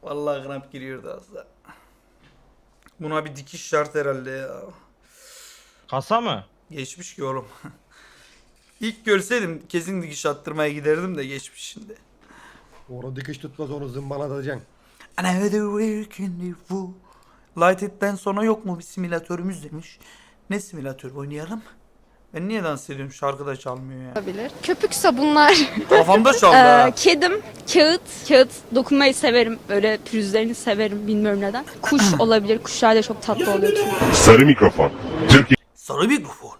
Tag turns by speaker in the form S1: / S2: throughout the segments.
S1: Vallahi kramp giriyordu az da. Buna bir dikiş şart herhalde ya.
S2: Kasa mı?
S1: Geçmiş ki oğlum. İlk görseydim kesin dikiş attırmaya giderdim de geçmiş şimdi.
S3: Onu dikiş tutmaz, onu zımbalatacaksın.
S1: Another week in the fool. Lighted'den sonra yok mu bir simülatörümüz demiş. Ne simülatör oynayalım? Ben niye dans ediyorum? Şarkı da çalmıyor ya.
S4: Olabilir. Köpük sabunlar.
S1: Kafamda çaldı ha.
S4: Kedim, kağıt dokunmayı severim. Böyle pürüzlerini severim, bilmiyorum neden. Kuş olabilir. Kuşlar da çok tatlı oluyor çünkü.
S5: Sarı mikrofon. Türkiye
S1: Sarı mikrofon.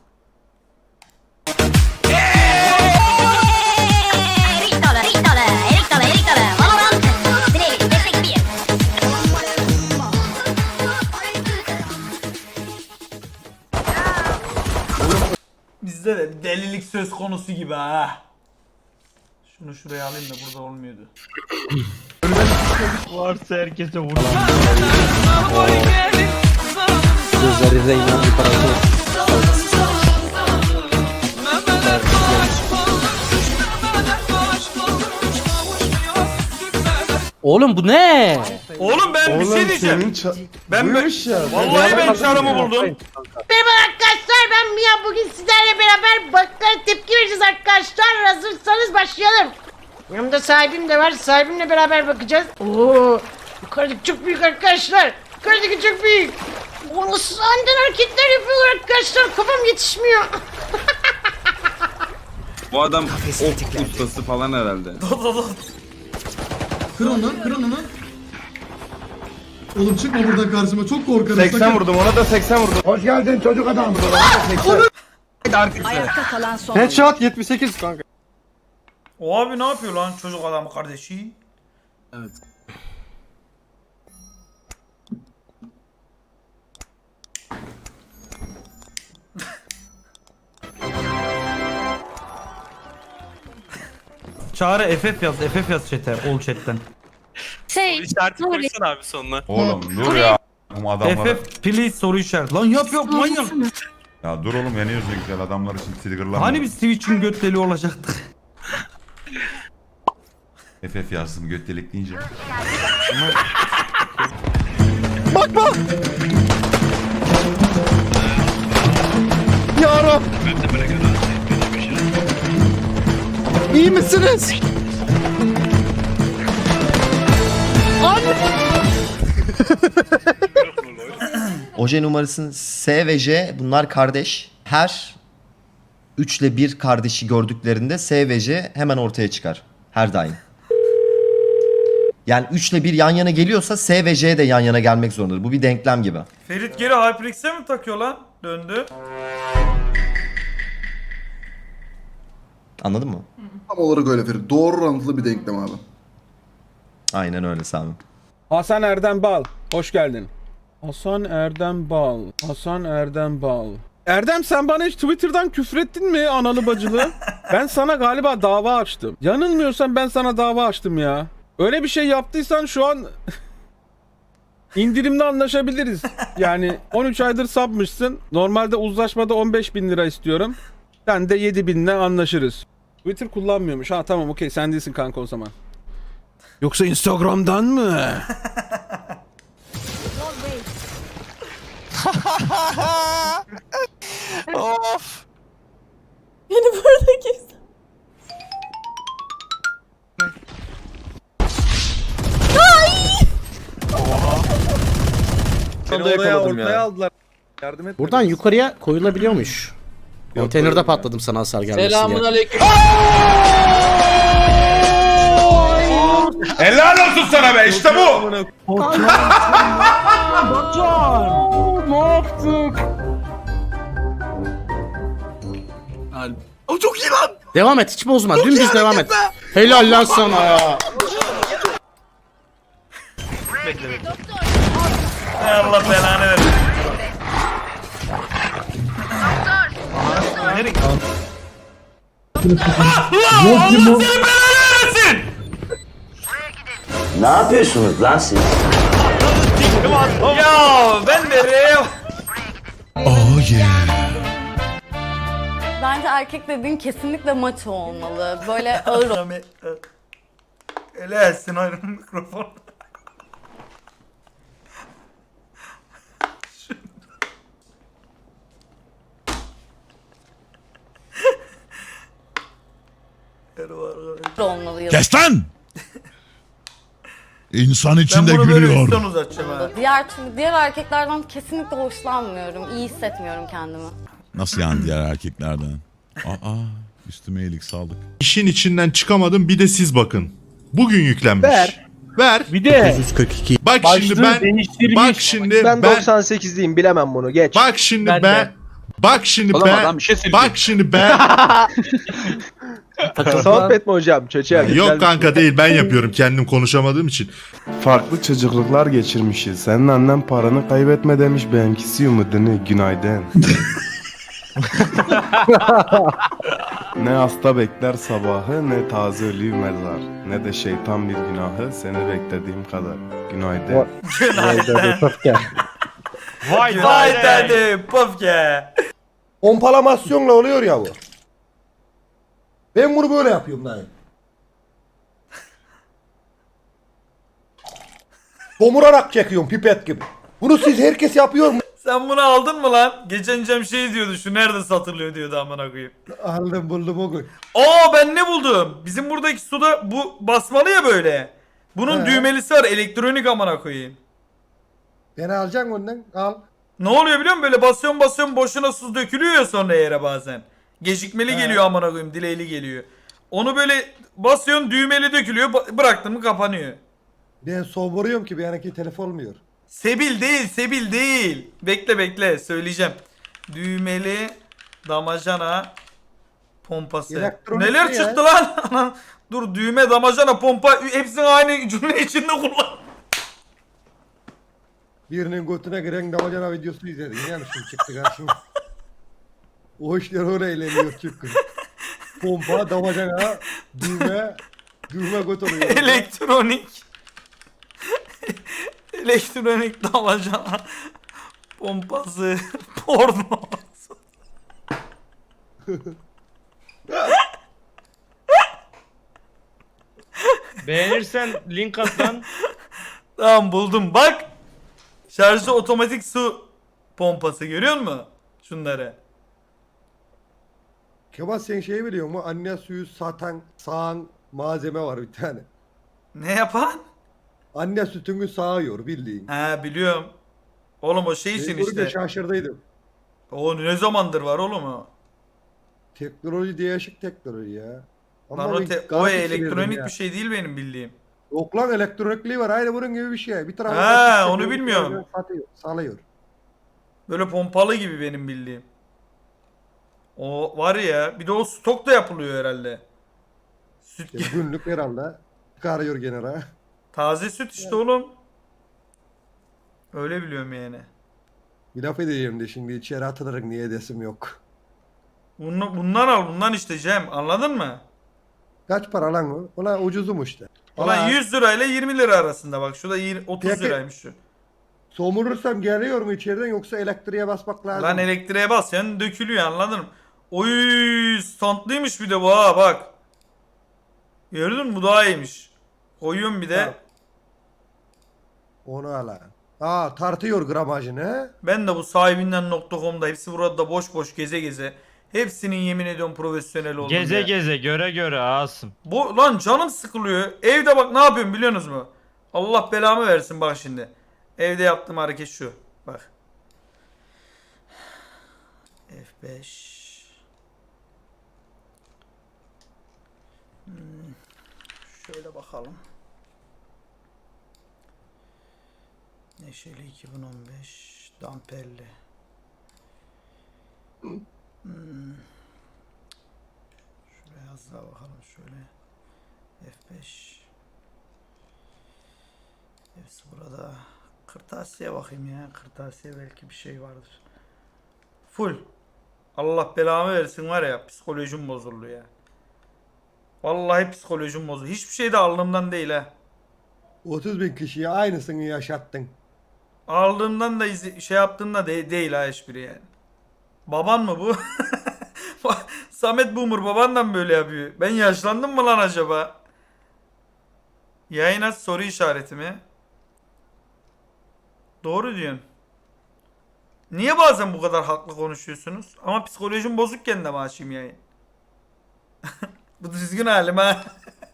S1: Bizde de delilik söz konusu gibi ha. Şunu şuraya alayım da burada olmuyordu.
S2: Varsa herkese vur.
S6: Gözleri Reynan bir parası. Oğlum bu ne?
S1: Oğlum ben bir şey diyeceğim. Ben vallahi ben çarımı buldum.
S7: Merhaba arkadaşlar, ben Mia. Bugün sizlerle beraber bakkal tepki vereceğiz arkadaşlar. Hazırsanız başlayalım. Yanımda sahibim de var. Sahibimle beraber bakacağız. Oo, yukarıdaki çok büyük arkadaşlar. Yukarıdaki çok büyük. O nasıl aniden hareketler yapıyorlar arkadaşlar. Kafam yetişmiyor.
S8: Bu adam ok ustası falan herhalde.
S9: Kır onu, kır onu. Oğlum çıkma buradan karşıma, çok korkarım.
S2: 80 vurdum, ona da 80 vurdum.
S3: Hoş geldin çocuk adam.
S7: Ayakta kalan son.
S3: Headshot 78 kanka.
S1: O abi ne yapıyor lan çocuk adam kardeşi?
S8: Evet.
S1: Çağrı FF yaz, FF yaz chat'e, ol chat'ten.
S10: İşareti koysana abi sonuna.
S5: Oğlum dur ya. Bu adamları...
S1: FF please soru işareti. Lan yap manyak.
S5: Ya dur oğlum yeniyoruz ya güzel adamlar için triggerlama.
S1: Hani biz Twitch'in göt deli olacaktık.
S5: FF yazdım göt delik deyince.
S3: Bakma. Yara. İyi misiniz?
S6: Oje numarasının S ve J bunlar kardeş. Her 3 ile 1 kardeşi gördüklerinde S ve J hemen ortaya çıkar. Her daim. Yani 3 ile 1 yan yana geliyorsa S ve J de yan yana gelmek zorundadır. Bu bir denklem gibi.
S1: Ferit geri HyperX'e mi takıyor lan? Döndü.
S6: Anladın mı?
S9: Tam olarak öyle Ferit. Doğru orantılı bir denklem abi.
S6: Aynen öyle Sami.
S11: Hasan Erdem Bal, hoş geldin. Hasan Erdem Bal, Hasan Erdem Bal. Erdem sen bana hiç Twitter'dan küfrettin mi analı bacılı? Ben sana galiba dava açtım. Yanılmıyorsam ben sana dava açtım ya. Öyle bir şey yaptıysan şu an indirimli anlaşabiliriz. Yani 13 aydır sapmışsın. Normalde uzlaşmada 15.000 lira istiyorum. Sen de 7.000'le anlaşırız. Twitter kullanmıyormuş. Ha tamam okey sen değilsin kanka o zaman. Yoksa Instagram'dan mı?
S10: Of.
S4: Beni burada kes.
S11: Ortaya aldılar. Yardım et.
S6: Buradan yukarıya koyulabiliyormuş. Konteynerde patladım sana hasar gelmesin diye.
S7: Aleyküm.
S5: Helal olsun sana be işte bu.
S10: O çok iyi lan.
S6: Devam et hiç bozma. Dümdüz devam et. Helal lan sana ya.
S1: Hay Allah belanı versin. Allah seni belanı versin.
S6: Ne yapıyorsunuz lan siz?
S1: Ya ben de rev.
S4: Bence erkek dediğin kesinlikle maço olmalı. Böyle ağır
S1: Ele etsin ayrı mikrofon.
S4: olmalıyız.
S5: Kes lan! İnsan
S1: Ben
S5: içinde
S1: bunu böyle
S5: gülüyor.
S1: üstten uzatacağım ha.
S4: Diğer erkeklerden kesinlikle hoşlanmıyorum. İyi hissetmiyorum kendimi.
S5: Nasıl yani diğer erkeklerden? Aa, üstüme iyilik sağlık.
S3: İşin içinden çıkamadım, bir de siz bakın. Bugün yüklenmiş. Ver.
S2: Bir de
S3: Bak şimdi ben
S2: değiştirmiş.
S3: bak şimdi ben
S11: 98'liyim, bilemem bunu, geç.
S3: bak şimdi
S2: Ben
S3: ben
S2: de.
S3: bak şimdi
S10: Oğlum
S3: ben
S10: adam bir şey söyleyecek.
S3: bak şimdi ben
S11: Sohbet mi hocam? Çöçer.
S3: yok kanka değil, ben yapıyorum kendim konuşamadığım için.
S9: Farklı çocukluklar geçirmişiz. Senin annen paranı kaybetme demiş, benimkisi umudunu. Günaydın. Ne hasta bekler sabahı, ne taze ölüyü mezar. Ne de şeytan bir günahı, seni beklediğim kadar. Günaydın.
S2: Vay
S1: Vay dedi puf ya.
S3: Pompalamasyonla oluyor ya bu. Ben bunu böyle yapıyorum dayı. Domurarak çekiyorum pipet gibi. Bunu siz herkes yapıyor mu?
S1: Sen bunu aldın mı lan? Geçen Cem şey diyordu, şu nerede satılıyor diyordu, amına koyayım.
S3: Aldım buldum o gün.
S1: Aa ben ne buldum? Bizim buradaki suda bu basmalı ya böyle. Bunun
S3: He.
S1: düğmelisi var, elektronik amına koyayım.
S3: Beni alacaksın ondan, al.
S1: Ne oluyor biliyor musun? Böyle basıyorsun boşuna su dökülüyor ya sonra yere bazen. Gecikmeli geliyor amına koyayım, delay'li geliyor. Onu böyle basıyorsun, düğmeli dökülüyor, bıraktın mı kapanıyor.
S3: Ben soğuruyorum ki benimki telef olmuyor.
S1: Sebil değil. Bekle söyleyeceğim. Düğmeli damacana pompası.
S3: Elektronik
S1: Neler
S3: ne ya?
S1: çıktı lan? Dur, düğme, damacana, pompa hepsini aynı cümle içinde kullan.
S3: Birinin götüne giren damacana videosu izledim. Yani şimdi çıktı karşıma. O işler öyle eğleniyor çünkü. Pompa, damacana, düğme göt oluyor.
S1: Elektronik damacana pompası porno.
S2: Beğenirsen link at lan.
S1: Tamam buldum bak. Şarjlı otomatik su pompası, görüyor musun? Şunları.
S3: Kemal sen şeyi biliyor musun? Anne suyu sağan malzeme var bir tane.
S1: Ne yapan?
S3: Anne sütünü sağıyor bildiğin.
S1: He biliyorum. Oğlum o şey için
S3: Ben görünce
S1: işte.
S3: şaşırdıydım.
S1: O ne zamandır var oğlum o?
S3: Teknoloji değişik teknoloji ya. Ama
S1: Lan o,
S3: bir
S1: o
S3: garip
S1: elektronik
S3: ya.
S1: bir şey değil benim bildiğim.
S3: Yok lan, elektronikliği var, aynı bunun gibi bir şey. Bir tarafı
S1: Ha, onu bilmiyorum.
S3: Salıyor.
S1: Böyle pompalı gibi benim bildiğim. O var ya, bir de o stok da yapılıyor herhalde. Süt
S3: İşte günlük herhalde çıkarıyor gene ha.
S1: taze süt işte oğlum. Öyle biliyorum yani.
S3: Bir laf edeceğim de şimdi içeri atılarak niye desim yok.
S1: Bundan al, bundan işte Cem, anladın mı?
S3: Kaç para lan o? Ulan ucuzum işte.
S1: Ulan 100 lirayla 20 lira arasında bak, şurada 30
S3: Peki.
S1: liraymış şu.
S3: Somurursam geliyor mu içeriden, yoksa elektriğe basmak lazım?
S1: Lan elektriğe bas yani dökülüyor, anladın mı? Oy, standlıymış bir de bu ha bak. Gördün mü, bu daha iyiymiş. Koyuyorum bir de.
S3: Tamam. Onu al ha. Aa, tartıyor gramajını he?
S1: Ben de bu sahibinden.com'da hepsi burada boş boş geze geze. Hepsinin yemin ediyorum profesyonel oldum
S2: Geze
S1: ya.
S2: geze göre Asım.
S1: Bu lan canım sıkılıyor. Evde bak ne yapıyorum biliyorsunuz mu? Allah belamı versin bak şimdi. Evde yaptığım hareket şu. Bak. F5. Şöyle bakalım. Neşeli 2015 damperli. Şuraya az daha bakalım şöyle. F5. Hepsi burada. Kırtasiye bakayım ya. Kırtasiye belki bir şey vardır. Full. Allah belamı versin var ya, psikolojim bozuldu ya. Vallahi psikolojim bozuldu. Hiçbir şey de alnımdan değil ha.
S3: 30.000 kişiye aynısını yaşattın.
S1: Aldığımdan da şey yaptığımda değil ha hiçbiri yani. Baban mı bu? Samet Boomer babandan böyle yapıyor. Ben yaşlandım mı lan acaba? Yayın aç soru işareti mi? Doğru diyorsun. Niye bazen bu kadar haklı konuşuyorsunuz? Ama psikolojim bozukken de mi açayım yayın? Bu düzgün halim ha.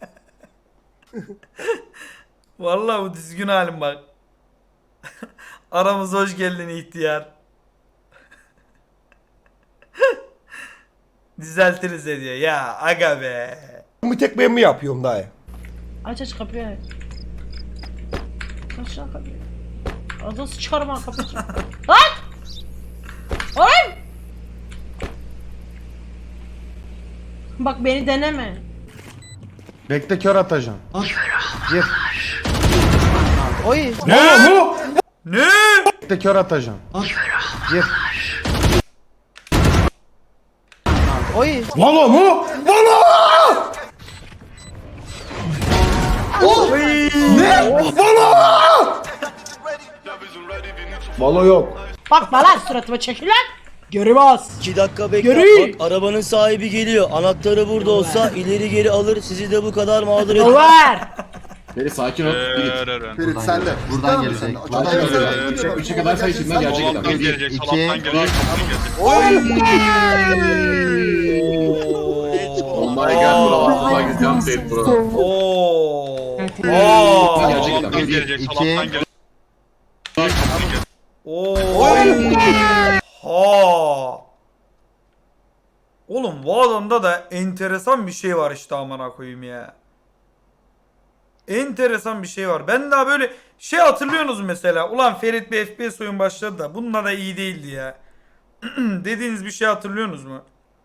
S1: Vallahi bu düzgün halim bak. Aramıza hoş geldin ihtiyar. Düzeltiriz diyor. Ya aga be.
S3: Bir tek ben mi yapıyorum dayı?
S7: Aç kapıyı aç. Aç lan kapıyı. Ağzını sıçarım ha kapıyı. Lan! Lan! Bak beni deneme.
S3: Bekle kör atacağım. Gir.
S1: Ne?
S3: Bekle kör atacağım. Gir. Valo mu? Valo! Ne? Valo! Valo yok.
S7: Bak bana suratıma çekil lan. Geri bas.
S12: 2 dakika bekle.
S7: Yürü.
S12: Bak arabanın sahibi geliyor. Anahtarı burada olsa ileri geri alır. Sizi de bu kadar mağdur etmez.
S7: Over.
S9: Beni sakin ol.
S3: Ferit sen de. Buradan gelecek. Buradan gelecek.
S9: 3'e kadar say içinden gerçekten.
S10: gelecek, salaptan gelecek.
S9: Oh my god bro. Bak jump tape bro.
S1: Oo.
S10: Salaptan gelecek, salaptan gelecek.
S1: Oo. Ha. Oğlum bu adamda da enteresan bir şey var işte amına koyayım ya. Enteresan bir şey var. Ben daha böyle şey hatırlıyorsunuz mesela. Ulan Ferit bir FPS oyun başladı da bununla da iyi değildi ya. Dediğiniz bir şey hatırlıyorsunuz mu?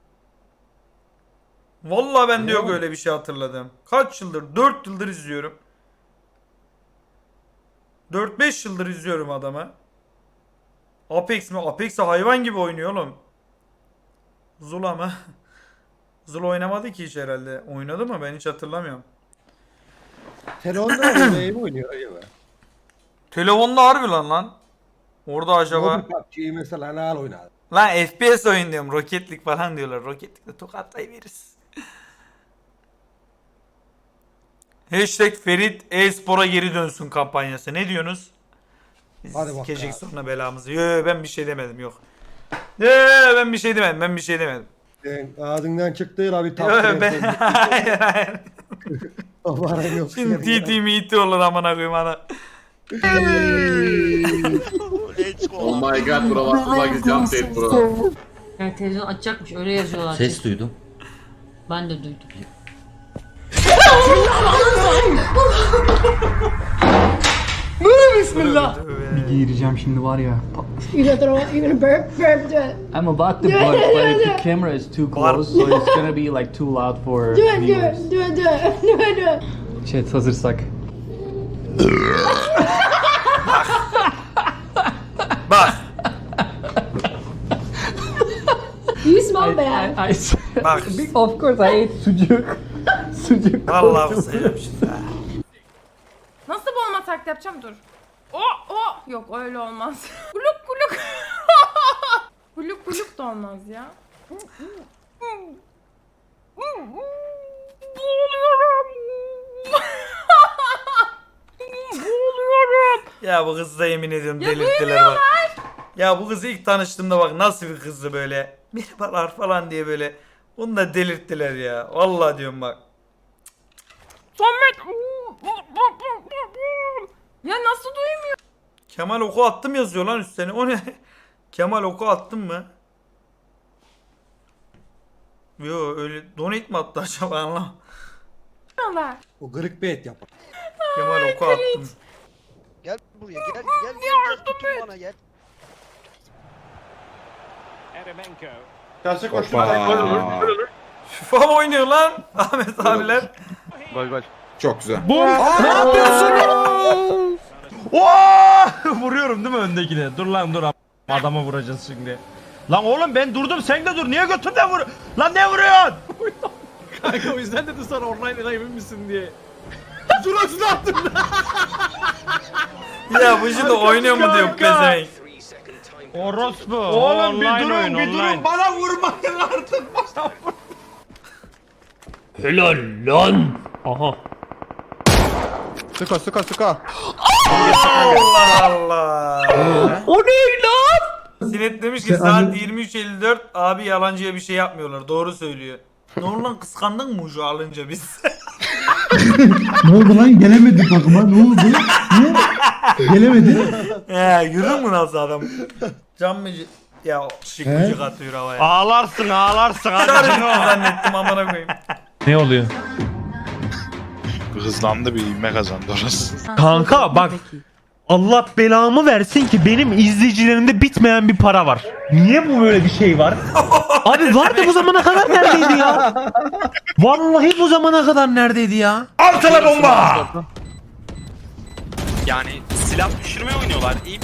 S1: Vallahi ben de yok öyle bir şey hatırladım. Kaç yıldır? 4 yıldır izliyorum. 4-5 yıldır izliyorum adamı. Apex mi? Apex'e hayvan gibi oynuyor oğlum. Zula mı? Zula oynamadı ki hiç herhalde. Oynadı mı? Ben hiç hatırlamıyorum.
S3: Telefonda oynayayım oynuyor acaba.
S1: Telefonda harbi lan. Orada acaba...
S3: Mobil PUBG'yi mesela ne oynar?
S1: Lan FPS oyun diyorum. Roketlik falan diyorlar. Roketlikle tokatlayıveririz. Hashtag Ferit e-spora geri dönsün kampanyası. Ne diyorsunuz? Biz
S3: Hadi bak
S1: sikecek
S3: ya.
S1: sonra belamızı. Yo, ben bir şey demedim yok. Yo, ben bir şey demedim.
S3: Sen ağzından çıktığı la bir
S1: Yo,
S3: tatlı.
S1: ben... hayır.
S3: Aman yok.
S1: Şimdi TT miti olur amına koyayım ana.
S9: Oh my god bro. Bak jump tape bro.
S7: Yani televizyon açacakmış öyle yazıyorlar.
S6: Ses duydum.
S7: Ben de duydum. Bismillah.
S12: Gireceğim şimdi var ya.
S7: You gonna burp do it.
S12: I'm about to bark, but if the camera is too close, so it's gonna be like too loud for viewers.
S7: Do it.
S12: Chat hazırsak.
S1: Bak.
S7: You smell bad.
S1: Bak.
S12: Of course I ate sucuk. Sucuk.
S1: Vallahi sayıyorum şimdi. ha.
S4: Nasıl boğulma taklidi yapacağım dur. Yok öyle olmaz. Kuluk kuluk. Kuluk kuluk da olmaz ya. Boğuluyorum. Boğuluyorum.
S1: Ya bu kızı da yemin ediyorum
S4: Ya
S1: delirttiler bak. Ya bu kızı ilk tanıştığımda bak nasıl bir kızdı böyle. Merhabalar falan diye böyle. Onu da delirttiler ya. Vallahi diyorum bak.
S4: Samet. Ya nasıl duymuyor?
S1: Kemal oku attım yazıyor lan üstüne. O ne? Kemal oku attın mı? Yo öyle donate mi attı acaba anlam.
S3: O kırık bir et yapar.
S1: Kemal oku attım.
S12: Gel buraya gel tutun bana gel.
S3: Karşı
S1: FIFA mı oynuyor lan Ahmet abiler?
S9: Gol gol. Çok güzel.
S11: Ne yapıyorsun?
S2: Vuruyorum değil mi öndekine? Dur lan dur. Adama vuracağız şimdi. Lan oğlum ben durdum sen de dur. Niye götümden vur? Lan ne vuruyorsun?
S11: Kanka o yüzden dedim sana online emin misin diye. Suratını attım.
S1: Ya bu şimdi oynuyor mu diyor pezevenk.
S2: Orospu.
S11: Oğlum bir
S2: Online
S11: durun
S2: oyun,
S11: bir
S2: online.
S11: durun bana vurmayın artık.
S12: Helal lan. Aha.
S3: Sıka.
S1: Allah Allah.
S12: O ne lan?
S1: Sinet demiş ki saat 23.54 abi yalancıya bir şey yapmıyorlar. Doğru söylüyor. Ne oldu lan, kıskandın mı ucu alınca biz?
S12: Ne oldu lan? Gelemedi takıma. Ne oldu? Niye? Gelemedi.
S1: Yürür mü nasıl adam? Can mı? Ya şıkıcık atıyor havaya.
S2: Ağlarsın ağlarsın hadi.
S1: Çağırın zannettim amına koyayım.
S2: Ne oluyor?
S10: Hızlandı, bir ivme kazandı orası.
S2: Kanka bak. Allah belamı versin ki benim izleyicilerimde bitmeyen bir para var. Niye bu böyle bir şey var? Abi vardı bu zamana kadar neredeydi ya? Vallahi bu zamana kadar neredeydi ya?
S1: Altına bomba!
S10: Yani silah düşürme oynuyorlar. İyi.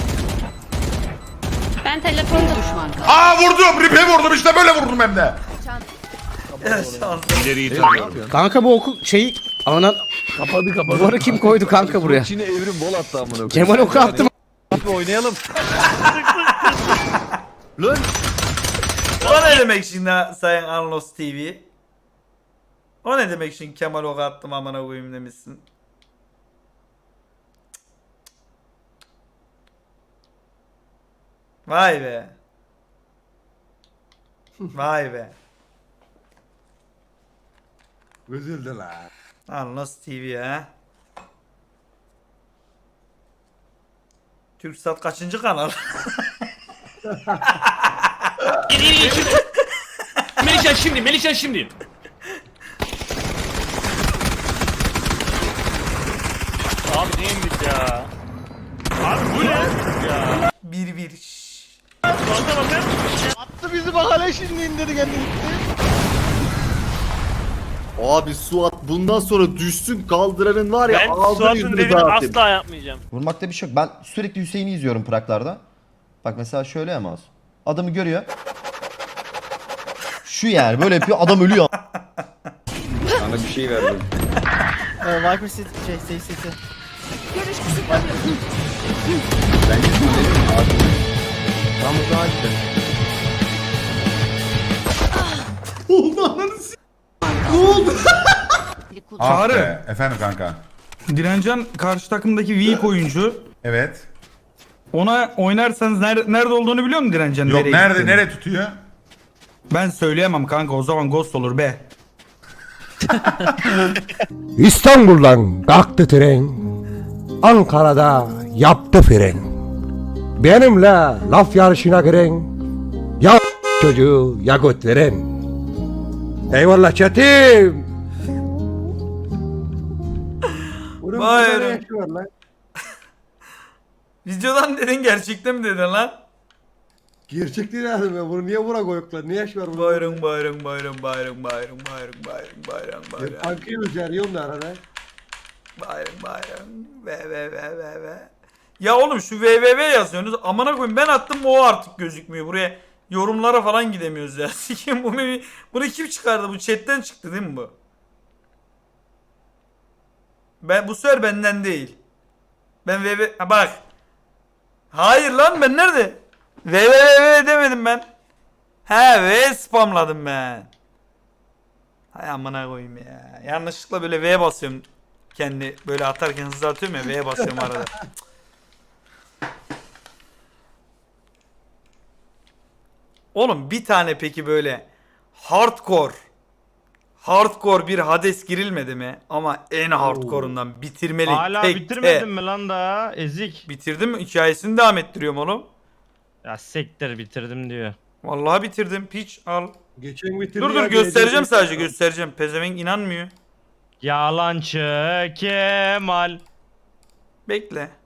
S4: Ben telefonda düşman kaldım.
S10: Aa vurdum, ripe vurdum, işte böyle vurdum hem de.
S1: Ya şans.
S11: Kanka bu okul şeyi ana kapadı. Duvarı kim koydu kanka buraya?
S3: Çin'e evrim bol attı amına.
S11: Kemal oku attı.
S3: Oynayalım.
S1: O ne demek şimdi Sayın Anlos TV? O ne demek şimdi Kemal ok attım amına koyayım demişsin. Vay be. Vay be.
S3: Üzüldü la.
S1: Anlos TV ha. Türksat kaçıncı kanal?
S10: Melihcan şimdi. Abi neymiş ya? Abi bu ne? Ya.
S1: 1-1. Şşş.
S3: Attı bizi bak hele şimdi indirdi kendini.
S6: Abi Suat bundan sonra düşsün kaldıranın var ya ağzını yüzünü dağıtayım.
S10: yapmayacağım.
S6: Vurmakta bir şey yok. Ben sürekli Hüseyin'i izliyorum Prag'larda. Bak mesela şöyle ya mouse. Adamı görüyor. Şu yani böyle yapıyor adam ölüyor.
S8: Sana bir şey verdim.
S12: Viper City CCT.
S4: Görüş kısıtlanıyor.
S8: Ben gitmedim abi.
S3: Tam uzağa gitti.
S10: Çağrı. Efendim kanka.
S11: Direncan karşı takımdaki weak oyuncu.
S10: Evet.
S11: Ona oynarsanız nerede olduğunu biliyor musun Direncan?
S10: Yok
S11: Nereye
S10: nerede
S11: gittiğini?
S10: nereye tutuyor?
S11: Ben söyleyemem kanka, o zaman ghost olur be.
S3: İstanbul'dan kalktı tren. Ankara'da yaptı fren. Benimle laf yarışına giren. Ya çocuğu ya göt veren. Eyvallah çetim.
S1: Vay Videodan dedin, gerçekten mi dedin lan?
S3: Gerçek değil abi ben bunu niye buna koyuklar? Niye yaş var burada?
S1: Bayram.
S3: Tankıyı üzeriyorum da arada.
S1: Bayram. Ve. Ya oğlum şu www yazıyorsunuz. Amına koyayım, ben attım o artık gözükmüyor. Buraya yorumlara falan gidemiyoruz ya. Sikim bunu kim çıkardı? Bu chatten çıktı değil mi bu? Bu sefer benden değil. Ben www bak. Hayır lan, ben nerede? www demedim ben. V spamladım ben. Hay amına koyayım ya. Yanlışlıkla böyle V basıyorum. Kendi böyle atarken hızlı atıyorum ya, V'ye basıyorum arada. Oğlum bir tane peki böyle hardcore bir Hades girilmedi mi? Ama en hardcore'undan bitirmeli.
S2: Hala
S1: tek
S2: bitirmedin mi lan daha? Ezik.
S1: Bitirdim, hikayesini devam ettiriyorum oğlum.
S2: Ya sektir bitirdim diyor.
S1: Vallahi bitirdim. Piç al.
S3: Geçen bitirdi
S1: Dur
S3: ya,
S1: göstereceğim,
S3: gelecek-
S1: sadece göstereceğim. Pezevenk inanmıyor.
S2: Yalancı Kemal.
S1: Bekle.